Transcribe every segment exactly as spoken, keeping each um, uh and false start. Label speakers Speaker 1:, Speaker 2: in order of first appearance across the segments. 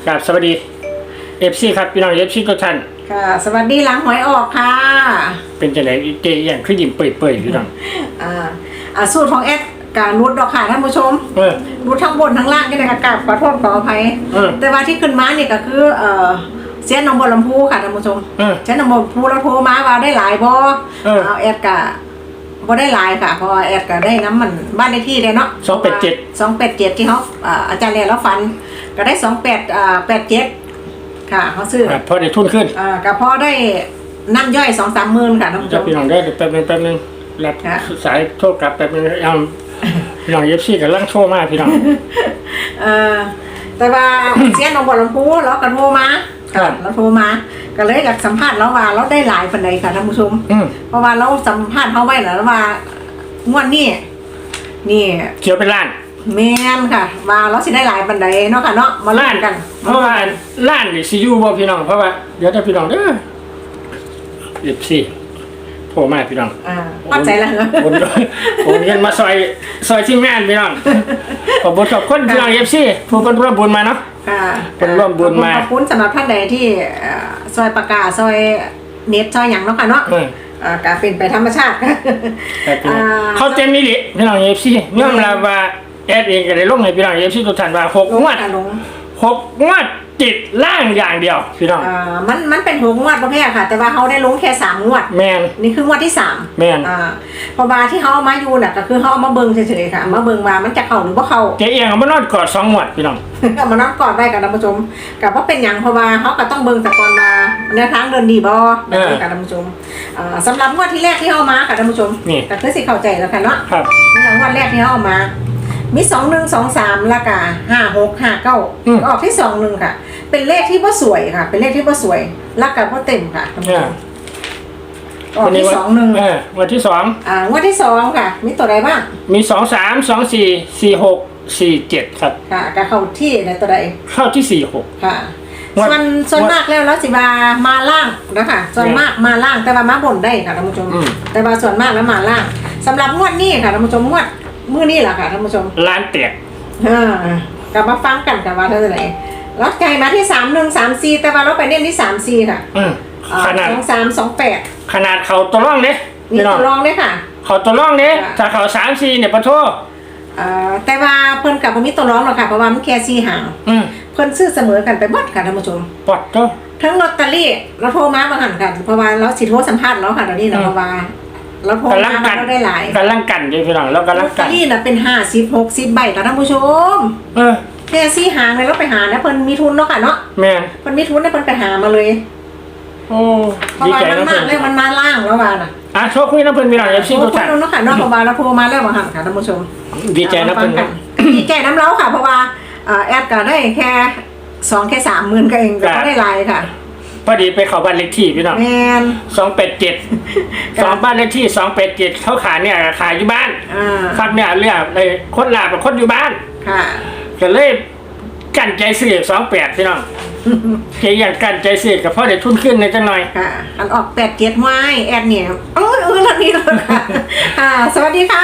Speaker 1: ครับสวัสดีเอฟซีครับพี่น้องเอฟซีทุกท่าน
Speaker 2: ค่ะสวัสดีหลังหวยออกค่ะ
Speaker 1: เป็นจังได๋เจอย่างคือยิ้มเปื่อยๆพี่น้อง
Speaker 2: อ่าอ่าสูตรของแอดกานุดดอกค่ะท่านผู้ชม
Speaker 1: เออ
Speaker 2: นุดทั้งบนทั้งล่างกันเลยค่ะกราบขอโทษขออภัยแต่ว่าที่ขึ้นมาเนี่ยก็คือเอ่อเสียนหนองบัวลำพูค่ะท่านผู้ชมเสียนหนองบัวลำพูเราโทรมาว่าได้หลายบ่เอาแอดกะบ่ได้หลายค่ะเพราะว่าแอดก็ได้น้ำมันบ้านเลขที่เลยเนาะ
Speaker 1: สองแปดเจ็ด
Speaker 2: สองแปดเจ็ดที่เขาอ่าอาจารย์เรียนแล้วฟันก็ได้สองแปดอ่าแปดเจ็ดค่ะเขาซื้อ
Speaker 1: พอได้ทุนขึ้น
Speaker 2: อ่าก็พอได้นั่งย่อยสองสามหมื่นค่ะท่านผู้ชม
Speaker 1: พี่น้องได้แป๊บนึงแป๊บนึงรับสายโทรกลับแป๊บนึงเอาพี่น้องเอฟซีกำลังโทรมาพี่น้อง
Speaker 2: เออแต่ว่าเสียนหนองบัวลำพูเราก็โทรมาค่ะเราโทรมาก็เลยอยากสัมภาษณ์เราว่าเราได้หลายปานใดค่ะท่านผู้ชมเพราะว่าเราสัมภาษณ์เขาไว้แล้วว่างวดนี้นี่
Speaker 1: เขียวเป็นล้าน
Speaker 2: แม่นค่ะมาเราสิได้หลายปานใดเนาะค่ะเนาะมาล้านกัน
Speaker 1: เพราะว่าล้านนี่สิอยู่บ่พี่น้องเพราะว่าเดี๋ยวถ้าพี่น้องเด้อเอฟซีโทรมาพี่น้อง
Speaker 2: อ่าเข้าใจแล้วเหรอ
Speaker 1: ผมผมเงินมาซอยซอยที่งานพี่น้องขอบคุณขอบคุณพี่น้องเอฟซีผู้เป็นร่วมบุญมาเนาะ
Speaker 2: ค่ะ
Speaker 1: เป็นร่วมบุญมา
Speaker 2: ขอบคุณสำหรับท่านใดที่ซอยประกาศซอยเน็ตซอยหยังเนาะค่ะเนาะอ่าการเป็นไปธรรมชาติ
Speaker 1: เขาเต็มนี่ดิพี่น้องเอฟซีเนื่องจากว่าแอดเองก็ได้ลงให้พี่น้องเอฟซีทุกท่านว่าหกงวดหกงวดติดล่างอย่างเดียวพี่น้อง
Speaker 2: อ่ามันมันเป็นหกงวดประเภทค่ะแต่ว่าเขาได้ลงแค่สามงวด
Speaker 1: แมน
Speaker 2: นี่คืองวดที่สาม
Speaker 1: แมน
Speaker 2: อ่าพอบาที่เขาเอามาอยู่น่ะก็คือเขาเอามาเบิ่งเฉยๆค่ะมาเบิ่งว่ามันจะเข้าหรือว่าเข้า
Speaker 1: เจ๊เองเอามานอนกอดสองงวดพี่น้อง
Speaker 2: เอามานอนกอดได้กับท่านผู้ชมกับว่าเป็นอย่างเพราะว่าเขาก็ต้องเบิ่งแต่ก่อนมาแนวทางเดินดีบ่กับท่านผู้ชมอ่าสำหรับงวดที่แรกที่เขาเอามากับท่านผู้ชมก็คือสิเข้าใจแล้วค่ะเนาะ
Speaker 1: ครับ
Speaker 2: นี่งวดแรกที่เขาเอามามีสองหนึ่งสองสามละกาห้าหกห้าเก้าออกที่สองหนึ่งค่ะเป็นเลขที่ว่าสวยค่ะเป็นเลขที่ว่าสวยละกาว่าเต็มค่ะออกที่สองหนึ่ง
Speaker 1: วันที่สอง
Speaker 2: อ่างวดที่สองค่ะมีตัวใดบ้าง
Speaker 1: มีสองสามสองสี่สี่หกสี่เจ็ดครับ
Speaker 2: ค่ะกาเข้าที่ในตัวใด
Speaker 1: เข้าที่สี่หก
Speaker 2: ค่ะส่วนส่วนมากแล้วแล้วสิบามาล่างนะคะส่วนมากมาล่างแต่ว่ามาบนได้ค่ะท่านผู้ชมแต่ว่าส่วนมากแล้วมาล่างสำหรับงวดนี้ค่ะท่านผู้ชมงวดมื้อนี้แหละค่ะท่านผู้ชม
Speaker 1: ล้านแตก
Speaker 2: อ่ากลับมาฟังกันกันว่าเท่าไหร่ล็อตใจมาที่สามหนึ่งสามสี่แต่ว่าเราไปเน้นที่สามสี่ค่ะ
Speaker 1: ขนาด
Speaker 2: สองสามสองแปด
Speaker 1: ขนาดเขาตัวร่องเนี่ย
Speaker 2: มีตัวร่องเนี่ยค่ะ
Speaker 1: เขาตัวร่องเนี่ยถ้าเขาสามสี่เนี่ยปะโทษ
Speaker 2: แต่ว่าเพิ่นกับผมมีตัวร้องหรอกค่ะเพราะว่ามันแค่สี่หางเพิ่นซื้อเสมอกันไปหมดค่ะท่านผู้ชม
Speaker 1: ปอดก็
Speaker 2: ทั้งลอตเตอรี่เราโทรมาบางหันกันเพราะว่าเราสิโทรสัมภาษณ์แล้วค่ะตอนนี้นะเพราะว่าเราโทรมาเราได้หลาย
Speaker 1: กำลังกันอยู่พี่น้องแล้วกำลังกัน
Speaker 2: นี่น่ะเป็นห้าสิบหกสิบใบค่ะท่านผู้ชม
Speaker 1: เออ
Speaker 2: แค่สี่หางเลยเราไปหานะเพิ่นมีทุนเนาะค่ะเนาะ
Speaker 1: แม่
Speaker 2: เพิ่นมีทุนเนี่ยเพิ่นไปหามาเลย
Speaker 1: โอ้
Speaker 2: ดีใจนะเพิ่นมันมาล่างแล้วว่าน่ะ
Speaker 1: อ่ะโชคคุยนะเพิ่นพี่น้องเอฟซีทุกท่าน
Speaker 2: เนาะค่ะเนาะเพราะว่าเราโทรมาแล้วบางหันค่ะท่านผู้ชม
Speaker 1: ดีใจนะเพิ่น
Speaker 2: ดีใจน้ำเล้าค่ะเพราะว่าแอดก็ได้แค่สองแค่สามหมื่นก็เองก็ได้ลายค่ะ
Speaker 1: พอดีไปเขาบ้านเลขที่พี่น้อง
Speaker 2: แมน
Speaker 1: สองแปดเจ็ดสองบ้านเลขที่สองแปดเจ็ดเขาขายเนี่ยขายอยู่บ้านครับเนี่ยเรียกเลยคนลาเป็นคนอยู่บ้าน
Speaker 2: ค่ะ
Speaker 1: ก็เลยกั้นใจซื้อสองแปดพี่น้องแค่อย่างกั้นใจซื้อกับพ่อเด็กทุนขึ้นในจังหน่อย
Speaker 2: ค่ะอันออกแปดเจ็ดไม้แอดเนี่ยโอ้ยเออแล้วนี่เลยค่ะค่ะสวัสดีค่ะ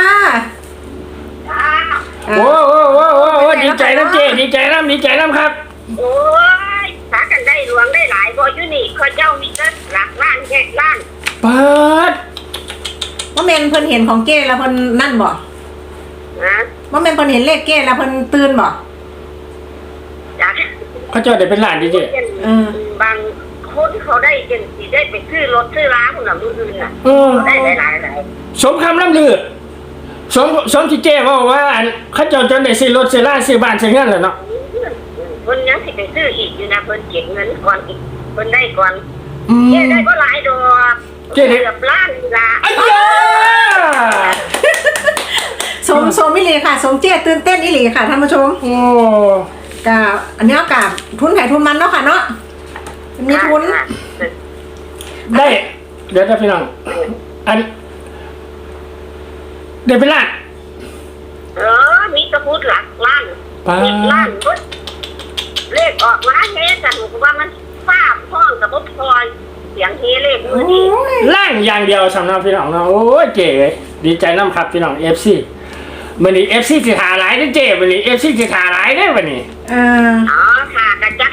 Speaker 1: โอ้โอ้โอ้โอ้โอ้ดีใจน้ำเจดีใจน้ำดีใจน้ำครับ
Speaker 3: โอ้ยสากันได้หลวงได้หลายบ่อยู่นี่ข้าเจ้ามีแต่หลักล้านแค่ล้าน
Speaker 1: เปิด
Speaker 2: ว่าเมนเพิ่นเห็นของเก้แล้วเพิ่นนั่นบ่
Speaker 3: นะ
Speaker 2: ว่าเมนเพิ่นเห็นเลขเก้แล้วเพิ่นตื่นบ่
Speaker 3: จ้ะ
Speaker 1: เขาเจ้าได้เป็นหลานดีเจ
Speaker 3: บางคนเขาได้เจนสิได้ไปซื้อรถซื้อร้านคนละมืออื่นน่ะได้หลายหลายหลาย
Speaker 1: สมคำล่ำลือสมสมที่เจ้ว่าว่าเขาเจ้าจนได้ซื้อรถซื้อร้านซื้อบ้านซื้อเงินแล้วเนาะ
Speaker 3: เพิ่นยังสิไปซื้ออีกอยู่นะเพิ่นเก็บเงินก่อนอีกเพิ่นได้ก่อนเจ๊ได้ก็หลายดอกเจ๊เกือบล้านละ
Speaker 1: ไอ้เจ้า
Speaker 2: สมสมอีหลีค่ะสมเจ๊ตื่นเต้นอีหลีค่ะท่านผู้ชม
Speaker 1: โอ้
Speaker 2: กะอันนี้กะทุนไผ่ทุนมันเนาะค่ะเนาะมีทุน
Speaker 1: ได้เดี๋ยวจะพี่น้องอันเดี๋ยวไปล้าน
Speaker 3: เออมีตะพูดหลักล้านมีล้านปุ๊บเลขออกมาเฮ้แต่หนูว่ามันฟ้าพ้องกับปุ๊บพลอยเสียงเฮเลขมือดี
Speaker 1: ล่างอย่างเดียวสำหรับพี่น้องเนาะโอ้ยเจ๋ดีใจน้ำครับพี่น้องเอฟซีวันนี้เอฟซีสิหาหลายได้เจ๋วันนี้เอฟซีสิหาหลายได้วันนี้
Speaker 2: เออ
Speaker 3: อ๋อค่ะกระจักอาทิ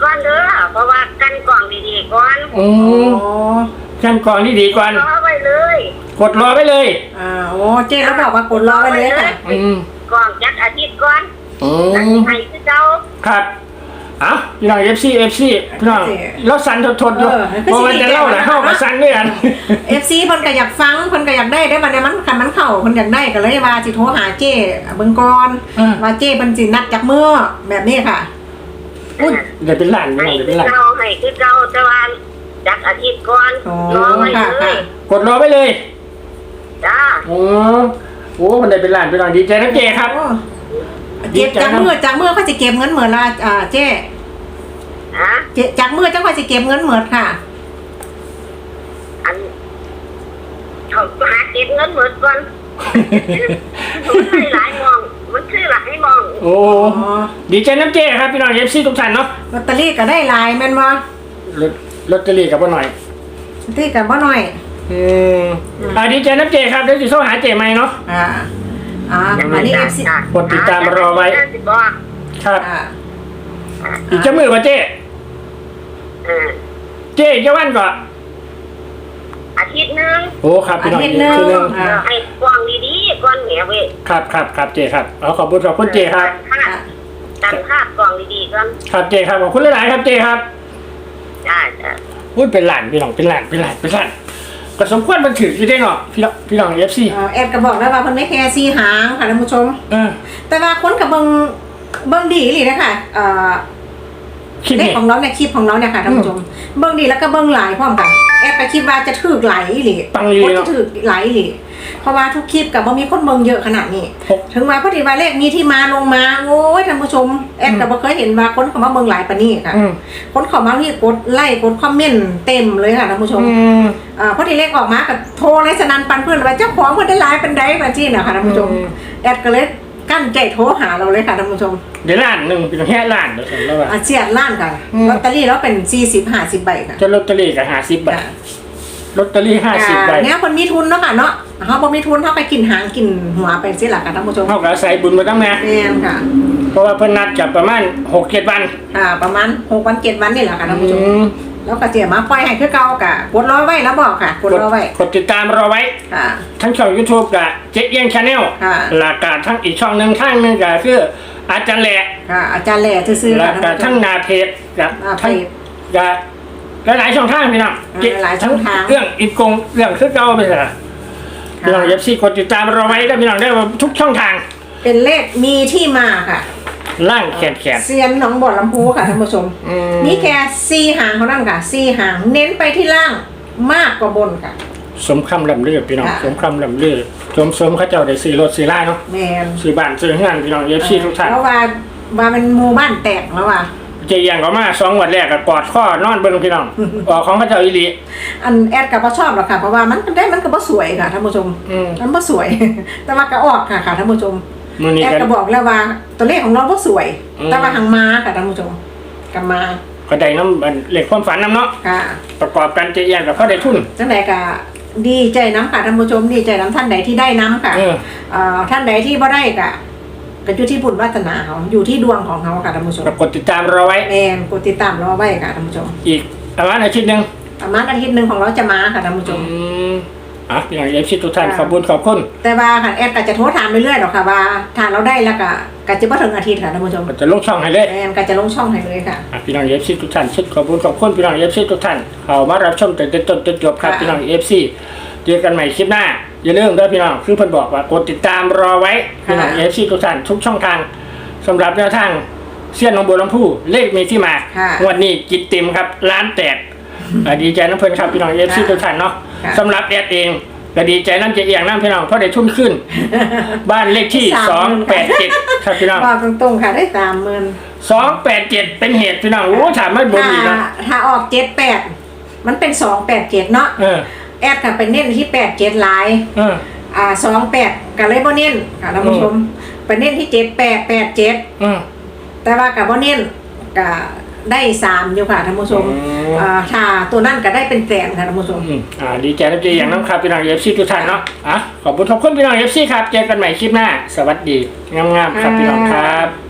Speaker 3: ก่อนเด้อเพราะว่ากันกล่องดีๆก่อน
Speaker 1: โอ้
Speaker 2: โอ้
Speaker 1: ขั้นกรองที่ดีก่อน
Speaker 3: รอไว้เลย
Speaker 1: กดรอไว้เลย
Speaker 2: อ่าโอ้เจ๊แล้วบอกว่ากดรอไว้เลยค่ะ
Speaker 1: อืม
Speaker 3: กล่องจักอาทิตย์ก่อน
Speaker 1: อื
Speaker 3: แล้ว
Speaker 1: ม
Speaker 3: ให้คือเจ้า
Speaker 1: ครับเอ้าพี่น้องเอฟซีเอฟซีพี่น้องเราสั่นทดๆอยู่เพราะมันจะเล่าหนะเข้ามาสั่นด้วยกัน
Speaker 2: เอฟซีเพิ่นก็อยากฟังเพิ่นก็อยากได้ได้บัดนี้มันคันมันเข้าเพิ่นอยากได้ก็เลยว่าสิโทรหาเจ้เบิ่งก่อน
Speaker 1: อืม
Speaker 2: ว่าเจ้เพิ่นสินัดจักมื้อแบบนี้ค่ะ
Speaker 1: อุ้ยเดี๋ยวเป็นหลานพี่
Speaker 3: ให้
Speaker 1: น้องเดี๋ยว
Speaker 3: คื
Speaker 1: เป็นหลาน
Speaker 3: อเจ้าให้คือเจ้าแต่ว่าจักอาทิตย์ก่อน
Speaker 2: อ๋อ
Speaker 3: รอไว้
Speaker 2: ค่ะ
Speaker 3: เล
Speaker 2: ค่ะ
Speaker 3: ย
Speaker 1: กดรอไว้เลย
Speaker 3: จ้า
Speaker 1: โอ้โหคนใดเป็นหลานพี่น้องดีใจนะเจครับ
Speaker 2: โอ้เก็บจากมื้อจากมื้อเขาสิเก็บเงินเหมือนละอ่าเจ้
Speaker 3: ฮะ
Speaker 2: เจ๊จากมื้อจังค่อยสิเก็บเงินเหมือนค่ะ
Speaker 3: อันเขาหาเก็บเงินหมดก่อนมันคือหลายมองมันคือหลายมอง
Speaker 1: โอ้ ดีใจน้ำเจครับพี่น้องเอฟซีทุกท่านเนาะ
Speaker 2: ลอตเตอรี่ก็ได้หลายแม่นบ่
Speaker 1: ลอตลอตเตอรี่กับพ่อหน่อย
Speaker 2: ลอตเตอรี่ก็บ่น้อย
Speaker 1: อืมอ่าดีใจน้ำเจครับเดี๋ยวสิโทรหาเจใหม่เนาะ
Speaker 2: อ่าอ่าอันนี้ เอฟ ซี
Speaker 1: กดติดตามรอไว้
Speaker 3: สิบอก
Speaker 1: ครับ
Speaker 2: อ่า
Speaker 1: อีกจะมือก่อนเจ
Speaker 3: เออ
Speaker 1: เจจะวันก่อน
Speaker 3: อาทิตย์หนึง
Speaker 1: โอ้ครับพี่น้อง
Speaker 2: อาทิตย์หนึ่ง
Speaker 1: ทีหนึง
Speaker 3: เออให้กว้างดีๆก่อนแหมเว้ย
Speaker 1: ครับครับครับเจครับเอาขอบคุณขอบคุณเจครับ
Speaker 3: ตัดภาพกล่องดีๆก่อน
Speaker 1: ครับเจครับขอบคุณหลายๆครับเจครับ
Speaker 3: จ้าจ้า
Speaker 1: อุ้ยเป็นหลานพี่น้องเป็นหลานเป็นหลานเป็นหลานก็สมควรมันถือที่ได้เนาะพี่น้องพี่น้องเอฟซี
Speaker 2: เอ่อแอดก็บอกแล้วว่าเพิ่นไม่แค่สีหางค่ะท่านผู้ชม
Speaker 1: เออ
Speaker 2: แต่ว่าคนกับเบิ่งเบิ่งดีอีหลีนะคะเอ่อ
Speaker 1: คลิป
Speaker 2: เลข
Speaker 1: นี้
Speaker 2: ของเราเนี่ยคลิปของเราเนี่ยค่ะท่านผู้ชมเบิ่งดีแล้วก็เบิ่งหลายพร้อมกันแอดก็คิดว่าจะถูกหลายอีหลี
Speaker 1: ปังดี
Speaker 2: คน
Speaker 1: เนาะ
Speaker 2: จะถูกหลายอีหลีเพราะว่าทุกคลิปกับบ่มีคนเบิ่งเยอะขนาดนี้
Speaker 1: หก
Speaker 2: ถึงมาพอดีว่าเลขมีที่มาลงมาโอ้ยท่านผู้ชมแอดก็บ่เคยเห็นว่าคนเข้ามาเบิ่งหลายปานนี้ค่ะ
Speaker 1: อืม
Speaker 2: คนเข้ามานี่กดไลค์กดคอมเมนต์เต็มเลยค่ะท่านผู้ชม
Speaker 1: อืม
Speaker 2: อ่าพอดีเลขออกมากับโทรเลยสนันปันเพื่อนว่าเจ้าของเพื่อนได้หลายเป็นไดแบบจี้นะคะท่านผู้ชม
Speaker 1: อืม
Speaker 2: แอดก็เลยกั้นใจโทรหาเราเลยค่ะท่านผู้ชม
Speaker 1: เดี๋ยวล้านหนึ่งเป็นแค่ล้านเดี๋ยวผมแล้วว่า
Speaker 2: อาเซียนล้านค่ะ
Speaker 1: อืม
Speaker 2: ลอตเตอรี่แล้วเป็นสี่สิบห้าสิบใบค่ะ
Speaker 1: จะลอตเตอรี่กับห้าสิบใบลอตเตอรี่ห้าสิบใบ
Speaker 2: อ่าเนี่ยคนมีทุนเนาะค่ะเนาะเขาบ่มีทุนเขาไปกินหางกินหัวเป็นสิล่ะค่ะท่านผู้ชม
Speaker 1: เท่ากับใส่บุญมาตั้งนาน
Speaker 2: แม่นค่ะ
Speaker 1: เพราะว่าเพิ่นนัดกับประมาณหกเจ็ดวัน
Speaker 2: อ่าประมาณหกวันเจ็ดวันนี่แหละค่ะท่านผู้ชม
Speaker 1: อืม
Speaker 2: แล้วก็เจียมาปล่อยให้คือเก่ากะกดรอไว้แล้วบอกค่ะกดรอไว้
Speaker 1: กดติดตามรอไว้
Speaker 2: ค่ะ
Speaker 1: ทั้งช่อง YouTube กับเจ๊เอี้ยงชาแนล
Speaker 2: ค่ะ
Speaker 1: หลักการทั้งอีกช่องหนึ่งข้างหนึงก็คืออาจารย์แหละ
Speaker 2: ค่ะอาจารย์แหล่ซื่อๆ
Speaker 1: หลั
Speaker 2: ค่ะ
Speaker 1: ก
Speaker 2: ท่านผู้ช
Speaker 1: การทั้
Speaker 2: ม
Speaker 1: งนาเพจกับ
Speaker 2: หน้าเพจ
Speaker 1: ทั้งกับหลายๆช่องทางพี่น้อง
Speaker 2: อ่าหลายช่องทาง
Speaker 1: เรื่องอีกกงเรื่องคือเก่าไปเถอะพี่น้องเอฟซีกดติดตามรอไว้ได้พี่น้องได้ทุกช่องทาง
Speaker 2: เป็นเลขมีที่มาค่ะ
Speaker 1: ล่างแขนแขน
Speaker 2: เซียนหนองบ่อลำพูค่ะท่านผู้ชม
Speaker 1: อืม
Speaker 2: นี่แค่ซีหางเขานั่นค่ะซีหางเน้นไปที่ล่างมากกว่าบนค่ะ
Speaker 1: สมคำลำเลือพี่น้อง
Speaker 2: ค่ะ
Speaker 1: สมคำลำเลือสมสมเขาเจ้าได้ซื้อรถซื้อล่าเนาะ
Speaker 2: แมน
Speaker 1: ซื้อบ้านซื้อเฮือนพี่น้องเอฟซีทุกท่าน
Speaker 2: เพราะว่าว่าเป็นหมู่บ้านแตกแล้วว่ะ
Speaker 1: เจียงก็มาสองวันแรกก็กอดข้อนอนเบิ่งพี่น้องออกของเขาเจ้าอีหลี
Speaker 2: อันแอดกับพ่ชอบหรอกค่ะเพราะว่ามันได้มันก็บ่สวยค่ะท่านผู้ชม
Speaker 1: อืม
Speaker 2: มันบ่สวย แต่ว่าก็ออกค่ะค่ะท่านผู้ชม
Speaker 1: มื้อนี้
Speaker 2: แอด
Speaker 1: ก็
Speaker 2: ก็บอกแล้วว่าตัวเลขของเราบ่สวย
Speaker 1: อืม
Speaker 2: แต่ว่าหางมาค่ะท่านผู้ชมกับมา
Speaker 1: ก็ได้น้ำอันเลขความฝันน้ำเนาะ
Speaker 2: ค่ะ
Speaker 1: ประกอบกันเจียงกับเขาได้ทุน
Speaker 2: จังใดก็ดีใจน้ำค่ะท่านผู้ชมดีใจน้ำท่านใดที่ได้น้ำค่ะ
Speaker 1: เออ
Speaker 2: เอ่อท่านใดที่บ่ได้ก็ก็อยู่ที่บุญวาสนาเขาอยู่ที่ดวงของเขาค่ะท่านผู้ชม
Speaker 1: กดติดตามเราไว้
Speaker 2: แมนกดติดตามรอไว้ค่ะท่านผู้ชม
Speaker 1: อีกประมาณอาทิตย์หนึง
Speaker 2: ประมาณอาทิตย์หนึ่งของเราจะมาค่ะท่านผู้ชม
Speaker 1: อืมอ่ะพี่น้องเอฟซีทุกท่าน
Speaker 2: ค่ะ
Speaker 1: ขอบคุณขอบคุณ
Speaker 2: แต่ว่าค่ะแอดก็จะโทรถามเรื่อยๆหรอกค่ะว่าถ้าเราได้แล้วก็ก็จะบ่ถึงอาทิตย์ค่ะท่านผู้ชม
Speaker 1: ก็จะลงช่องให้เลย
Speaker 2: แมนก็จะลงช่องให้เลยค่ะ
Speaker 1: อ่ะพี่น้องเอฟซีทุกท่านชุดขอบคุณขอบคุณพี่น้องเอฟซีทุกท่านเขามารับชมแต่ต้นจนจบครับ
Speaker 2: ค่ะ
Speaker 1: พี่น้องเอฟซีเจอกันใหม่คลิปหน้าอย่าลืมด้วยพี่น้องคือเพิ่นบอกว่ากดติดตามรอไว้พี่น้องเอฟซีทุกท่านทุกช่องทางสำหรับแนวทางเสี้ยนหนองบัวลำพูเลขมีที่มา
Speaker 2: ค่ะ
Speaker 1: งวันนี้กิตติมครับล้านแตกอ่ะดีใจน้ำเพิ่นครับพี่น้องเอฟซี
Speaker 2: ค่ะ
Speaker 1: ทุกท่านเนาะ
Speaker 2: ค่ะ
Speaker 1: สำหรับแอดเองก็ดีใจน้ำเจียงน้ำพี่น้องเพราะได้ทุนขึ้น บ้านเลขที่
Speaker 2: สาม
Speaker 1: สองแปดเจ็ดครับพี่น้อง
Speaker 2: บอกตรงๆค่ะได้สามหมื่น
Speaker 1: สองแปดเจ็ดเป็นเหตุพี่น้องโอ้ถามไม่บน
Speaker 2: ถ้า
Speaker 1: อีกนะ
Speaker 2: ถ้าออกเจ็ดแปดมันเป็นสองแปดเจ็ดเนาะ
Speaker 1: เออ
Speaker 2: แอดค่ะเป็นเน้นที่แปดเจ็ดหลาย
Speaker 1: เออ
Speaker 2: อ่าสองแปดกับเลยบ่เน้นค่ะท่านผู้ชมไปเน้นที่เจ็ดแปดแปดเจ็ด
Speaker 1: เออ
Speaker 2: แต่ว่ากับบ่เน้นก็ได้สามอยู่ค่ะท่านผู้ชม
Speaker 1: อืม
Speaker 2: อ่าถ้าตัวนั่นก็ได้เป็นแสนค่ะท่านผู้ชม
Speaker 1: อืมอ่าดีใจน้ำเจียงน้ำครับพี่น้องเอฟซีทุกท่านเนาะอ่ะขอบคุณขอบคุณพี่น้องเอฟซีครับเจอกันใหม่คลิปหน้า สวัสดีงามๆครับพี่น้องครับ